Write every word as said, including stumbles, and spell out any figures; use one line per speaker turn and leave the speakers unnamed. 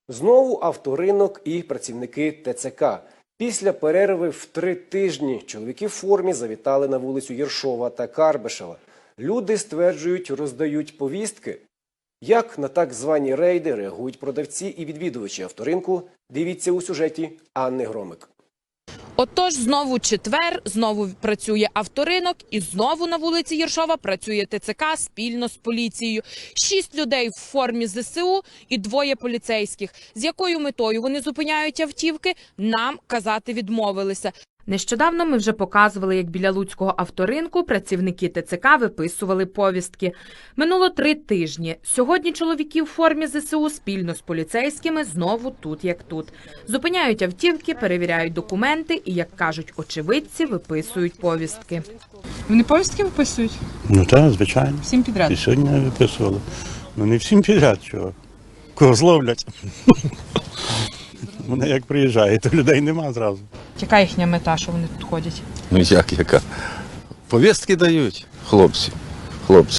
Знову авторинок і працівники ТЦК. Після перерви в три тижні чоловіки в формі завітали на вулицю Єршова та Карбишева. Люди, стверджують, роздають повістки. Як на так звані рейди реагують продавці і відвідувачі авторинку, дивіться у сюжеті Анни Громик.
Отож, знову четвер, знову працює авторинок і знову на вулиці Єршова працює ТЦК спільно з поліцією. Шість людей в формі ЗСУ і двоє поліцейських. З якою метою вони зупиняють автівки, нам казати відмовилися. Нещодавно ми вже показували, як біля Луцького авторинку працівники ТЦК виписували повістки. Минуло три тижні. Сьогодні чоловіки в формі ЗСУ спільно з поліцейськими знову тут як тут. Зупиняють автівки, перевіряють документи і, як кажуть очевидці, виписують повістки.
Вони повістки виписують?
Ну так, звичайно.
Всім підряд?
І сьогодні виписували. Ну не всім підряд, чого. Кого зловлять. Вони як приїжджають, то людей нема зразу.
Яка їхня мета, що вони тут ходять?
Ну як яка? Повістки дають хлопці. Хлопці.